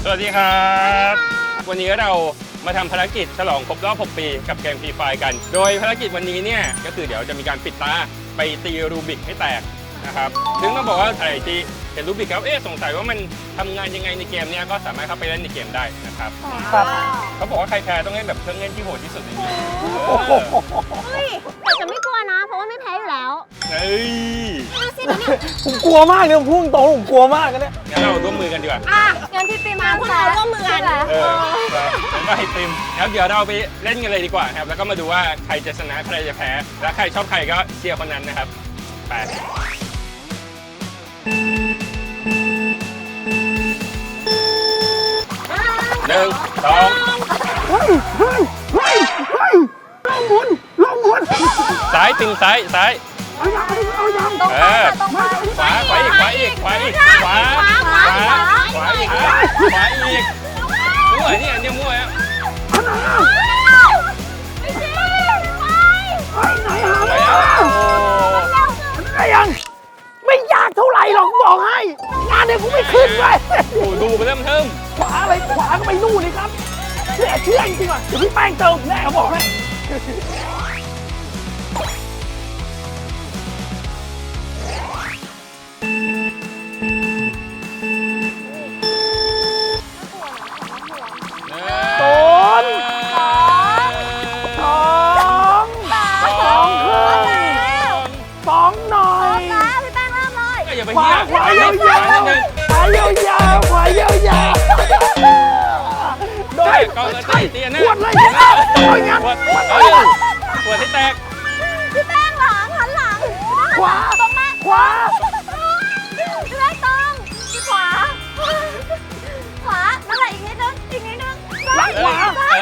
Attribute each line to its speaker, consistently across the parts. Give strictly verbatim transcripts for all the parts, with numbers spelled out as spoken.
Speaker 1: วัสดีครับวันนี้เรามาทำภารกิจฉลองครบรอบหกปีกับเกมฟรีไฟกันโดยภารกิจวันนี้เนี่ยก็คือเดี๋ยวจะมีการปิดตาไปตีรูบิกให้แตกนะครับซึ่งต้องบอกว่าใครที่เห็นรูบิกแล้วเอ๊ะสงสัยว่ามันทำงานยังไงในเกมเนี้ยก็สามารถเข้าไปเล่นในเกมได้นะครับครับเขาบอกว่าใครแพ้ต้องเล่นแบบเครื่องเล่นที่โหดที่สุดในนี้
Speaker 2: เฮ้ยแต่จะไม่กลัวนะเพราะว่าไม่แพ้อยู่แล้ว
Speaker 1: เฮ้ย
Speaker 3: ผมกลัวมากเลยผมพูดตรงผมกลัวมากกันเนี่ย
Speaker 1: งั้นเราร่วมมือกันดีกว่า
Speaker 2: อ่ะงั้นพี่ปิมมาพวกเราร่วมมือกัน
Speaker 1: เออแล้วก็ให้ปิมครับเดี๋ยวเราไปเล่นกันเลยดีกว่าครับแล้วก็มาดูว่าใครจะชนะใครจะแพ้และใครชอบใครก็เชียร์คนนั้นนะครับไปหนึ่งสอง
Speaker 3: เฮ้ยเฮ้ยเฮ้ยเฮ้ยลงหมุนลงหมุน
Speaker 1: ซ้ายปิมซ้ายซ้าย
Speaker 3: เอายังเอายัง
Speaker 2: ตรงไปตรงไป
Speaker 1: ขวาขวาอีกขวาอีกขวาอีกขวาขวาขวาอีกขวาอีกมั่วเนี่ยเนี่ยมั่วอ่ะ
Speaker 3: อันไหนอ่ะ
Speaker 2: ไม่จริงไป
Speaker 3: ไอ้ไหนหา
Speaker 1: ไป
Speaker 3: อ่ะไอ้ยังไม่ยากเท่าไหร่หรอกบอกให้งานเนี่ยกูไม่ขึ้นเลย
Speaker 1: โอ้ดูไปเริ่มเทิม
Speaker 3: ขวาอะไรขวาก็ไปนู่นเลยครับเชื่อเชื่อจริงๆอ่ะเดี๋ยวพี่แป้งเติมแน่เขาบอกให้
Speaker 1: ขวาขวายาวยาว
Speaker 3: ขวายาวยาวขวายาวยาว
Speaker 1: โดยก็เลยตีตีนะ
Speaker 3: ปวดเลยโอ้ยงั้น
Speaker 1: ปวดปวดให้แตก
Speaker 2: พี่แป้งหลังหันหลัง
Speaker 3: ขวา
Speaker 2: ตรงมา
Speaker 3: ขวา
Speaker 2: พี่แป้งตรงขวาขวานั่นแหละอีกนิดนึงอีกนิดนึง
Speaker 3: หลังขวา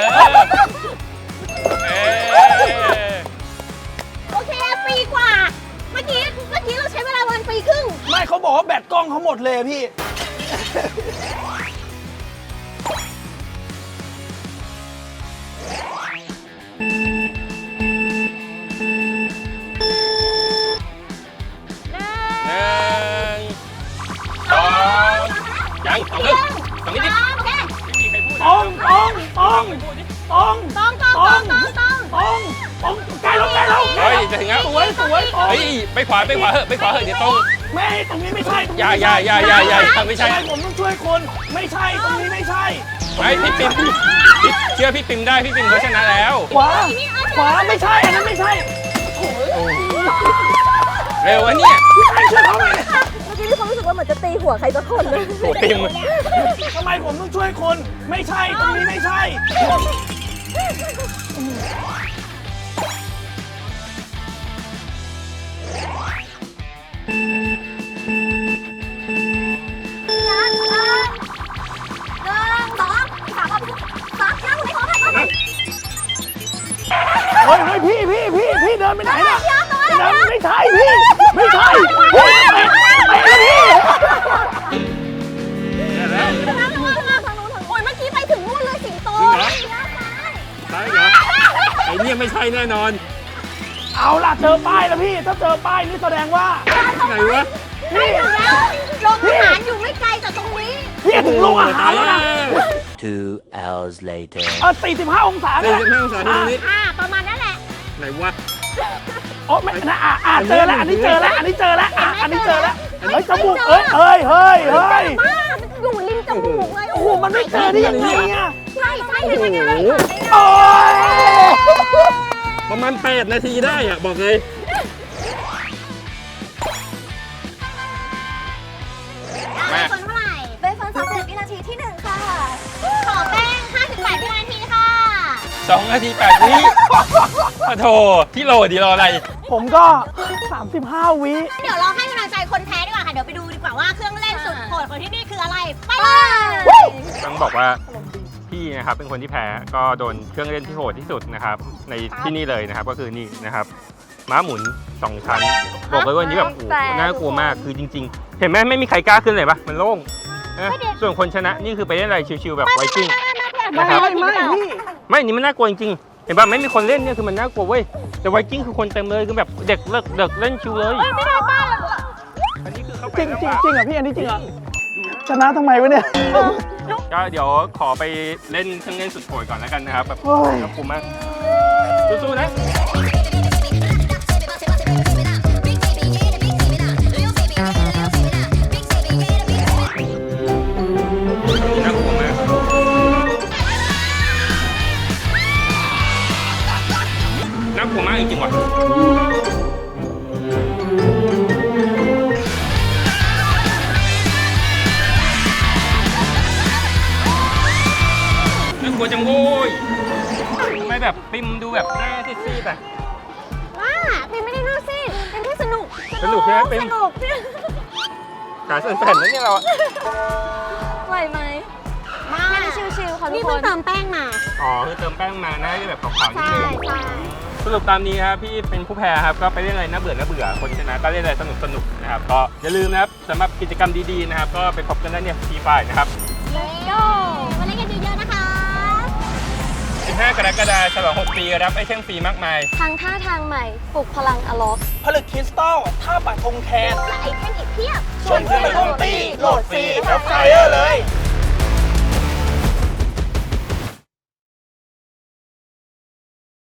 Speaker 2: โอเคปีกว่าเมื่อกี้เมื่อกี้เราใช้เวลาวันปีครึ่ง
Speaker 3: ไม่เขาบอกว่าแบตกล้องเขาหมดเลยพี่
Speaker 1: ยังสองนึงสองนิดนิดไม่มีใครพูดต
Speaker 3: องตองตองตอง
Speaker 2: ตองตองตองตองตอง
Speaker 3: ตองตองใกล้แล้วใกล้แล้ว
Speaker 1: เฮ้ยจะถึงแล้ว
Speaker 3: สวยสวย
Speaker 1: เฮ้ยไปขวาไปขวาเหอะไปขวาเหอะเดี๋ยวตรง
Speaker 3: ไม่ตรงนี้ไม่ใช่
Speaker 1: อย่าอย่าอย่าอย่าอย่าไม่ใช่
Speaker 3: ผมต้องช่วยคนไม่ใช่ตรงนี้ไม่ใช่
Speaker 1: ไอ้พี่ปิมเชื่อพี่ปิมได้พี่ปิมเขาชนะแล้ว
Speaker 3: ขวาขวาไม่ใช่อันนั้นไม่ใช่
Speaker 1: เร็ววะเนี่ย
Speaker 2: เมื่อกี้มีความรู้สึกว่าเหมือนจะตีหัวใครสักคนเลย
Speaker 1: โอ้ปิม
Speaker 3: ทำไมผมต้องช่วยคนไม่ใช่ตรงนี้ไม่ใช่เฮ้ยเฮ้ยพี่พี่พี่พี่เดินไปไหนน่ะเดินไม่ใช่พี่ไม่ใช่พี่เตะเตะพี่
Speaker 2: โอ้ยเมื่อกี้ไปถึงนู่นเลยสิงโต
Speaker 1: ใช่เหรอไอ้เนี่ยไม่ใช่แน่นอน
Speaker 3: เอาล่ะเจอป้ายแล้วพี่ถ้าเจอป้ายนี่แสดงว่า
Speaker 1: ไหนวะ
Speaker 2: ไม่ถึงแล้วโรงอาหารอยู่ไม่ไกลจากตรงนี้
Speaker 3: พี่ถึงโรงอาหารแล้วนะ
Speaker 4: two hours later
Speaker 3: เออสี่สิบห้าองศา
Speaker 1: สี่สิบห้าองศาตรงนี้
Speaker 2: อ่าประมาณนั้นแหละ
Speaker 1: ไหนวะ
Speaker 3: โอ้ไม่นะอ่ะอ่ะเจอแล้วอันนี้เจอแล้วอันนี้เจอแล้วอ่ะอันนี้เจอแล้วเฮ้ยจมูกเอ้ยเฮ้ยเฮ้ยเฮ้ย
Speaker 2: อยู่ริมจมูกเลย
Speaker 3: โอ้โหมันไม่เจอได้ยังไงอ่ะ
Speaker 2: ใช่ใช่ใช่ใช่ใช่
Speaker 3: โอ้ย
Speaker 1: ประมาณแปดนาทีได้อ่ะบอกเลย
Speaker 2: แม่คนเท่าไหร่เป็นคนสามสิบวินาทีที่หนึ่งค่ะขอแป้งห้าสิบแปดวินาทีค่ะ
Speaker 1: สองนาทีแปดวิโอ้โถที่โหลดีรออะไร
Speaker 3: ผมก็สามสิบห้าวิ
Speaker 2: เดี๋ยวเราให้กำลังใจคนแพ้ดีกว่าค่ะเดี๋ยวไปดูดีกว่าว่าเครื่องเล่นสุดโหดของที่นี่คืออะไรไปเลย
Speaker 1: ต้องบอกว่าพี่นะครับเป็นคนที่แพ้ก็โดนเครื่องเล่นที่โหดที่สุดนะครับในที่นี่เลยนะครับก็คือนี่นะครับม้าหมุนสองชั้นบอกเลยว่านี้แบบโอ้น่ากลัวมากคือจริงๆเห็นไหมไม่มีใครกล้าขึ้นเลยปะมันโล่งนะส่วนคนชนะนี่คือไปเล่นอะไรชิวๆแบบไวกิ้งนะครับ
Speaker 3: ไม่ไม่
Speaker 1: ไม่นี่มันน่ากลัวจริงๆเห็นปะไม่มีคนเล่นเนี่ยคือมันน่ากลัวเว้ยแต่ไวกิ้งคือคนเต็มเลยคือแบบเด็กเลิกเด็กเล่นชิวเลย
Speaker 2: ไม่ได้บ้า
Speaker 1: อันนี้คือเข้าไป
Speaker 3: จริงจริงจริงเหรอพี่อันนี้จริงเหรอชนะทำไมวะเนี่ย
Speaker 1: ก็เดี๋ยวขอไปเล่นเครื่องเล่นสุดโหดก่อนแล้วกันนะครับแบบ
Speaker 3: โอ้ย
Speaker 1: น่ากลัวมากสู้ๆนะน่ากลัวมากน่ากลัวมากจริงๆว่ะน่ากลัวจังโว้ยทำไมแบบปิมดูแบบหน้าซีดๆอ่ะ
Speaker 2: ว้าเป็นไม่ได้น่าสิเป็นแค่สนุก
Speaker 1: สนุกใช่ไหมเป็น
Speaker 2: สนุก
Speaker 1: ขาสั่นๆแล้วเนี่ยเราอะ
Speaker 2: ไหวไหมมาชิวๆค่ะทุกคนนี่เพิ่งเติมแป้งมา
Speaker 1: อ๋อคือเติมแป้งมาหน้าจะแบบขาวๆนิด
Speaker 2: ใช่
Speaker 1: นึง
Speaker 2: ใช่
Speaker 1: สรุปตามนี้ครับพี่เป็นผู้แพ้ครับก็ไปเล่นอะไรน่าเบื่อน่าเบื่อคนชนะก็เล่นอะไรสนุกสนุกๆนะครับก็อย่าลืมนะครับสำหรับกิจกรรมดีๆนะครับก็ไปพบกันได้เนี่ยฟรีไฟนะครับ
Speaker 2: เลโยมาเล่นกันเยอะๆนะคะ
Speaker 1: สิบห้ากรกฎาคมฉลองหกปีรับไอเทมฟรีมากมาย
Speaker 2: ทางท่าทางใหม่ปลุกพลังอล็อก
Speaker 3: ผลึกคริสตัลท่าปักธงแคน
Speaker 2: และไอเทมอีกเพียบ
Speaker 3: ชวนเพื่อนมาร่วมตีโหลดฟรีแล้วไฟเออร์เลย